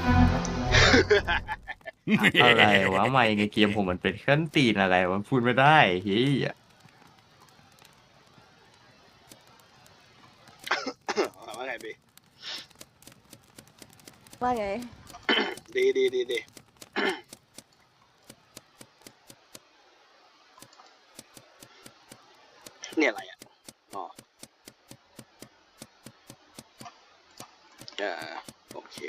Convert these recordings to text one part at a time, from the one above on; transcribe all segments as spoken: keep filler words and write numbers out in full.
อะไรวะไม่ในเกมผมมันเป็นขั้นตีนอะไรวะพูดไม่ได้เฮ้ยว่าไงบีว่าไงดีดีดีดีเนี่ยอะไรอ่ะอ๋ออ่าโอเค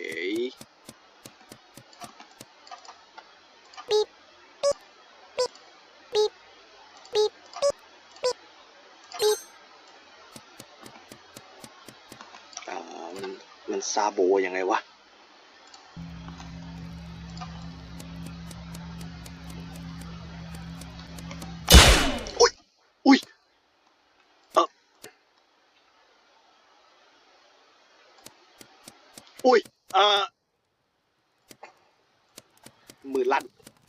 อ่ามันมันซาโบยังไงวะอุ้ยอุ้ยเอออุ้ยเออมือลั่น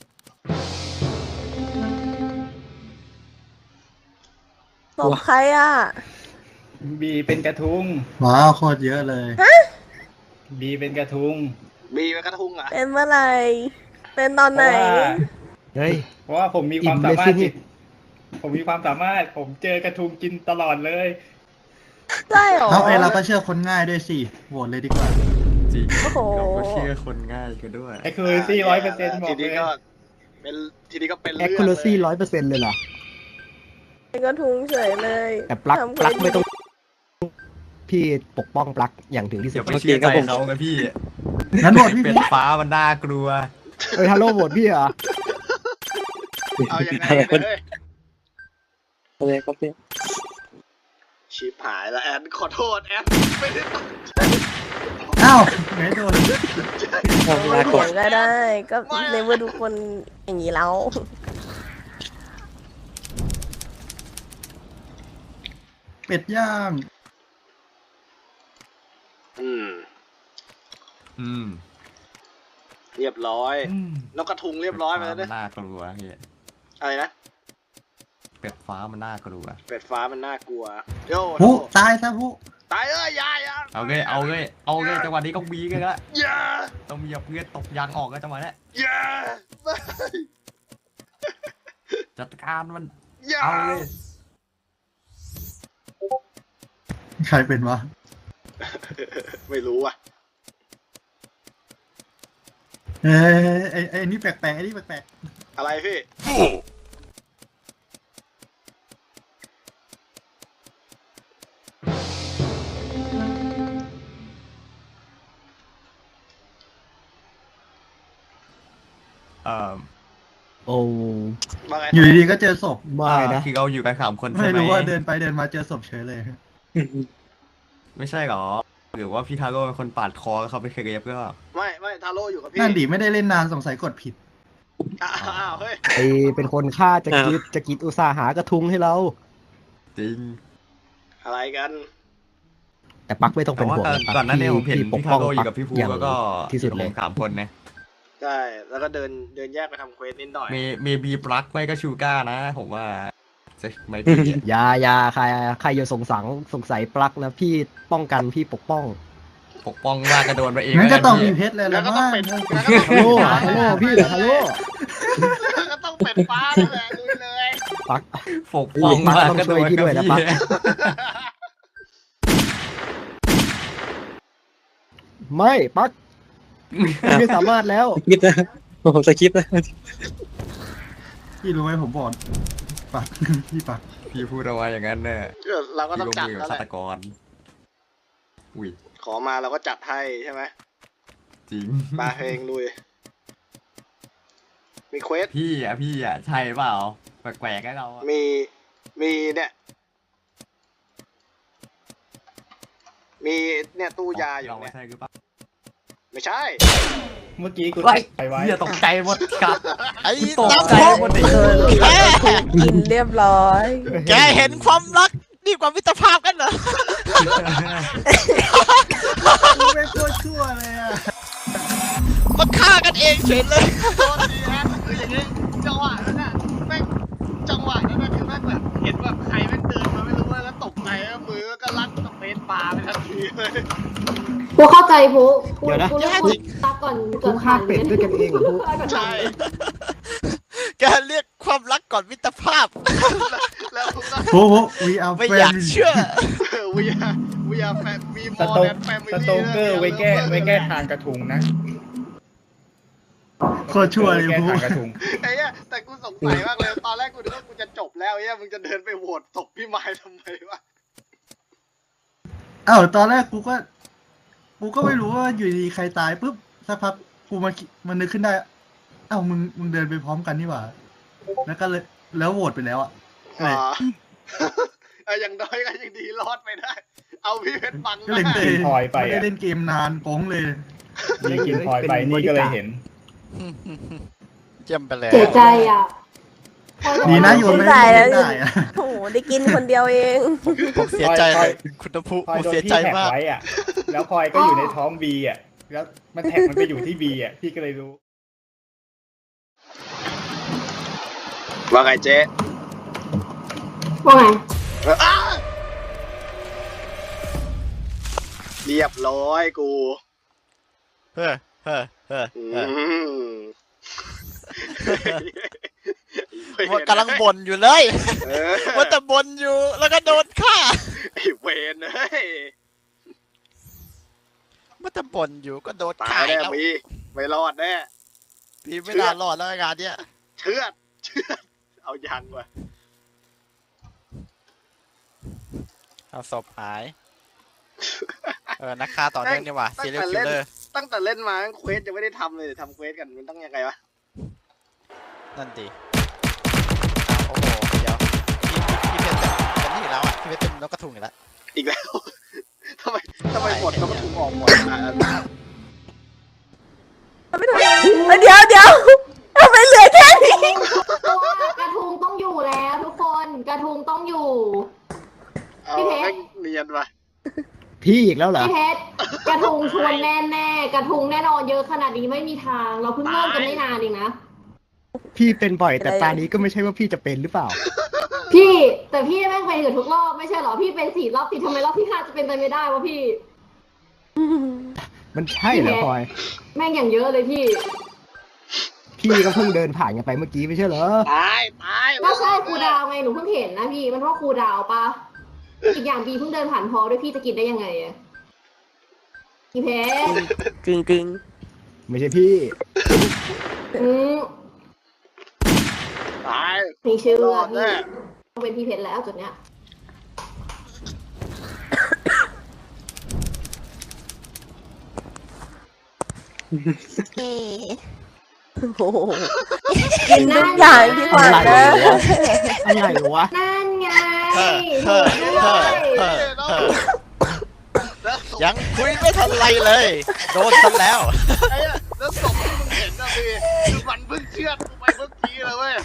ศพใครอ่ะบีเป็นกระทุงว้าวโคตรเยอะเลยบีเป็นกระทุงบีเป็นกระทุงเหรอ่ะเป็นเมื่อไหร่ เป็นตอนเพไหนราะว่าเฮ้ยเพราะว่าผมมีความอิ่มสาเลยมารสิถนี่ผมมีความสามารถ ผมเจอกระทุงกินตลอดเลยใช่เหรอเอาไอ้เราก็เชื่อคนง่ายด้วยสิโหวตเลยดีกว่าจริงโอ้โหเราก็เชื่อคนง่ายกันด้วยไอ้คือซี่ร้อยเปอร์เซ็นต์บอทีกเลนี้ยก็เป็นทีนี้ก็เป็นแอคเรื่องคูเลเรซี่ยร้อยเปอร์เซ็นต์เลยเหรอเป็นกระทุงเฉยเลยแต่ปลั๊กทำปลั๊กเควสไม่ต้อง พี่ปกป้องปลั๊กอย่างถึงที่สุเดี๋ดยวไปเชื่อใจเขาไงพี่งั้นโหวตพี่เป็พีนฟ้ามันน่ากลัวเฮ้ยฮัลโหลโหวตพี่เหรอเอายังไงกันเลยอะไรครับเนี่ยชิบหายแล้วแอนขอโทษแอนไม่ได้ตั้งใจอ้าวไม่โดนทำลาเถีก่อย นงก็ได้ ก็ในเมื่อทุกคนอย่างนี้แล้วเป็ดย่างอืมอืมเรียบร้อยนกกระทุงเรียบร้อยไปแล้วเป็นะดฟ้ามันน่ากลัวเฮ้ยอะไรนะเป็ดฟ้ามันน่ากลัวเป็ดฟ้ามันน่ากลัวโย่ผู้ตายซะผู้ตายเอ้ยอยาอยาเอาเลยเอาเลยเอาเลยจังหวะนี้ก็บีกันละอย่าต้องมีเพื่อนตกยางออกกันจังหวะนี้อย่าจัดการมันอย่าเอาเลยใครเป็นวะไม่รู้อ่ะเอ้ยไอ้ไอ้นี่แปลกๆไอ้นี่แปลกอะไรพี่เอ่อโอ้ว่าไงๆอยู่ดีๆก็เจอศพไม่นะคือเราอยู่กันสามคนใช่ไม่ไหมรู้ว่าเดินไปเดินมาเจอศพเฉยเลยไม่ใช่หรอหรือว่าพี่ทาโร่เป็นคนปาดคอเขาไปเคลียร์ก็ไม่ไม่ทาโร่อยู่กับพี่นั่นดิไม่ได้เล่นนานสงสัยกดผิดอ้าวอ้าวเฮ้ยไอเป็นคนฆ่าจะกิดจะกิดอุตสาหากระทุงให้เราจริงอะไรกันแต่ปลั๊กไม่ต้องแต่เป็นว่าห่วงก่อนนะปลั๊ก่อนหนั้นเนี่ยผมเห็นพี่ปกพี่ป้ทาองโร่อปลั๊ยู่กับพี่ภูอย่างแล้วก็ที่สุดเลยผมสามคนนะใช่แล้วก็เดินเดินแยกไปทำเควสนิดหน่อยเมเมบีปลั๊กไม่ก็ชูก้านะ ผมว่าจะไม่ดีอะอยาอยาใครใครอย่าสงสังสงสัยปลั๊กนะพี่ป้องกันพี่ปกป้องปกป้องว่ากระโดนไปเองงั้นก็ต้องมีพี่เพชรเลยแล้ละวก็ต้อมั้งงเป็นแล้วก็ต้องฮัลโหลฮัลโหลพี่ฮัลโหลก็ต้องเป็นฟ้าแล้วแหละลุยเลยปลั๊กปกป้องปลั๊กว่ากต้องกระโดช่วยนพี่ด้วยนะกับปลั๊กพี่ไม่ปลั๊กพี่ไม่สามารถแล้วคิดนะผมสคริปต์นะพี่รู้ไหมผมบอกปัก พี่ปักพี่พูดเอาไว้อย่างนั้นเนี่ยเราก็พี่ต้องลงจัดมือกับแล้วแหฆาละตกรอุ้ยขอมาเราก็จัดให้ใช่ไหมจริงมาเพลงลุยมีเควสพี่อ่ะพี่อ่ะใช่เปล่าแปลกๆให้เราอะมีมีเนี่ยมีเนี่ยตู้ยาอยู่เราไม่เนี่ยใช่หรือเปล่าไม่ใช่เมื่อกี้กูไว้ไปไว้เหี้ยตกใจหมดครับไอ้ตกน้ำใจพกหมดดิเออกินเรียบร้อยแกเห็นความรักดีกว่ามิตรภาพกันเหรอกูไม่โคตรชั่วเลยอ่ะมาฆ่ากันเองเฉยเลยโทษทีแอนคืออย่างงี้จังหวะนั้นน่ะแม่งจังหวะนั้นน่ะคือแม่งแบบเห็นแบบใครแม่งเดินมาไม่รู้ว่าแล้วตกใจแล้วมือก็ลั่นสเปซปาไปทันทีเลยกูเข้าใจพุกูเดี๋ยวนะกูเลือกคนตักก่อนทุก่อนกฆ่าเป็ดด้วยกันเองเหรอทุกใช่แกเรียกความรักก่อนมิตรภาพแล้วผมก็โอ้โห we are ไม่อยาก family เชื่อ we are we are fam we ส more โต than family สโตเกอร์ไว้แก้ไว้แก้ทางกระทุงนะโคตรชั่วเลยแก้พูทางกระทุงไอ้เนี่ยแต่กูสงสัยมากเลย ตอนแรกกูนึกว่ากูจะจบแล้วไอ้เนี่ยมึงจะเดินไปโหวตตกพี่ไม้ทำไมวะอ้าวตอนแรกกูก็ กูก็ไม่รู้ว่าอยู่ดีใครตายปุ๊บสักพักกูมันมันนึกขึ้นได้อ้าวมึงมึงเดินไปพร้อมกันนี่หว่า แล้วก็เลยแล้วโหวตไปแล้วอ่ะอ๋อเอออย่างน้อยก็ยังดีรอดไปได้ เอาพี่เพชรบังก็เลยได้เตะพลอยไปอะไม่ได้เล่นเกมนานโป้งเลยนี่กินพลอยไปนี่ก็เลยเห็นเจียมไปแล้วเสียใจอ่ะดีนะโยนไม่ตายแล้วได้อะโอ้โหได้กินคนเดียวเองผมเสียใจพลอยคุณน้ำพุพลอผยมโดนเสียพี่ใจแท็กมากไว้อ่ะ แล้วพลอยก็อยู่ในท้องบีอ่ะ แล้วมันแท็กมันไปอยู่ที่บีอ่ะ พี่ก็เลยรู้ว่าไงเจ๊ว่าไงอ้าเรียบร้อยกูเฮ้อเฮ้อเฮ้ออืเฮ้อมว่ากำลังบ่นอยู่เลยเออว่าแต่บ่นอยู่แล้วก็โดนฆ่าไอ้เวนเฮ้ยว่าแต่บ่นอยู่ก็โดนตาฆ่ายแน่แล้วมีไม่รอดแน่พี่ไม่น่ารอดแล้วงานเนี้ยเชือดเชือดเอายังว่ะเอาศพหาย เออนักฆ่าต่อเนื่องนี่หว่าซีเรียลคิลเลอร์ตั้งแต่เล่นมาเควสยังไม่ได้ทำเลยทำเควสกันมันต้องยังไงวะนั่นดีโอ้โหเดี๋ยวพี่พี่เพชรจะเป็นนี่อีกแล้วอ่ะพี่เพชรเป็นนกกระทุงอีกแล้วอีกแล้ว ทำไมทำไมหมดก็ถูกออกหมดอ่ะไม่ถูกเดี๋ยวเดี๋ยวทำไมเหลือแค่นี้กระทุงต้องอยู่แล้วทุกคนกระทุงต้องอยู่เอาพี่เพชรแม่งเนียนว่ะพี่อีกแล้วเหรอพี่เพชรกระทุงชวนแน่แน่ๆกระทุงแน่นอนเยอะขนาดนี้ไม่มีทาง เราเพิ่งเริ่มกันไม่นานเองนะพี่เป็นบ่อยแต่ตานี้ก็ไม่ใช่ว่าพี่จะเป็นหรือเปล่าพี่แต่พี่แม่งเป็นอยู่ทุกรอบไม่ใช่เหรอพี่เป็นสี่รอบติดทำไมรอบที่ห้าจะเป็นไปไม่ได้วะพี่มันใช่เหรอพลอยแม่งอย่างเยอะเลยพี่พี่ก็เพิ่งเดินผ่านกันไปเมื่อกี้ไม่ใช่เหรอตายตายก็ใช่ครูดาวไงหนูเพิ่งเห็นนะพี่มันเพราะครูดาวปะอีกอย่างบีเพิ่งเดินผ่านพอด้วยพี่จะกินได้ยังไงอะพี่เพชรจริงจริงไม่ใช่พี่อืมตายไม่เชื่อรอดพี่แน่ต้องเป็นพี่เพชรแล้วจุดเนี้ยโอ้โหกินทุกอย่างที่ขวางนะอะไรวะนั่นไงเฮ้อเฮ้อเฮ้อเฮ้อเฮ้อแล้วศพยังคุยไม่ทันไรเลย โดนซะแล้วไอ้เนี่ยแล้วศพที่มึงเห็นนะพี่คือมันเพิ่งเชือดกูไปเมื่อกี้เลยเว้ย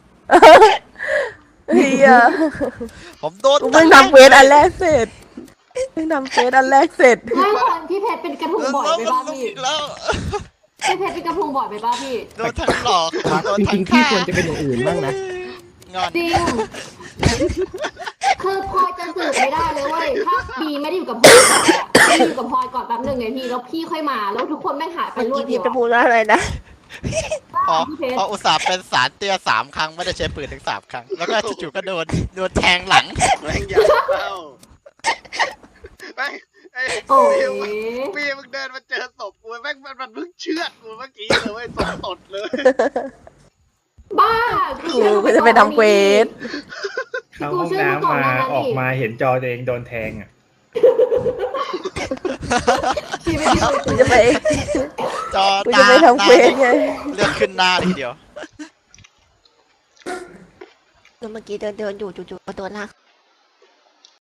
เฮียผมโดนกูเพิ่งทำเควสอันแรกเสร็จเพิ่งทำเควสอันแรกเสร็จไม่คนพี่เพชรเป็นกระทุงบ่อยไปบ้าพี่อีกแล้วพี่เพชรเป็นกระทุงบ่อยไปบ้าพี่โดนทั้งหลอกโดนจทั้ริงงๆพี่ฆ่าควรจะเป็นอย่างอื่นบ้างนะงอนจริง คือพลอยจะสืบไม่ได้เลยเว้ย ถ้าบีไม่ได้อยู่กับพลอยก่อนอะไม่ได้อยู่กับพลอยก่อนแป๊บหนึ่งไงพี่ แล้วพี่ค่อยมา แล้วทุกคนแม่งหายไปเมื่อรวกี้ดเดีพี่ยวจะพูดว่าอะไรนะพอพี่เพชรพออุตส่าห์เป็นสารเตี้ยสามครั้งไม่ได้ใช้ปืนถึงสามครั้ง แล้วก็จู่ๆก็โดนโดนแทงหลังแม่งอยากเล่าแม่งไอ้โอ้ยพี่มึงเดินมาเจอศพกูแม่งมันมันเพิ่งเชือดกูเมื่อกี้เลยเว้ยศพตดเลยบ้ากูก็จะไปทำเควสเข้าห้องน้ำมาออกมาเห็นจอตัวเองโดนแทงอ่ะพี่ไม่ได้กูจะไปจอกูตาจะไปทำเควสไงเลือดขึ้นหน้าเลยทีเดียวเมื่อกี้เดินเดินอยู่จู่ๆก็โดนลาก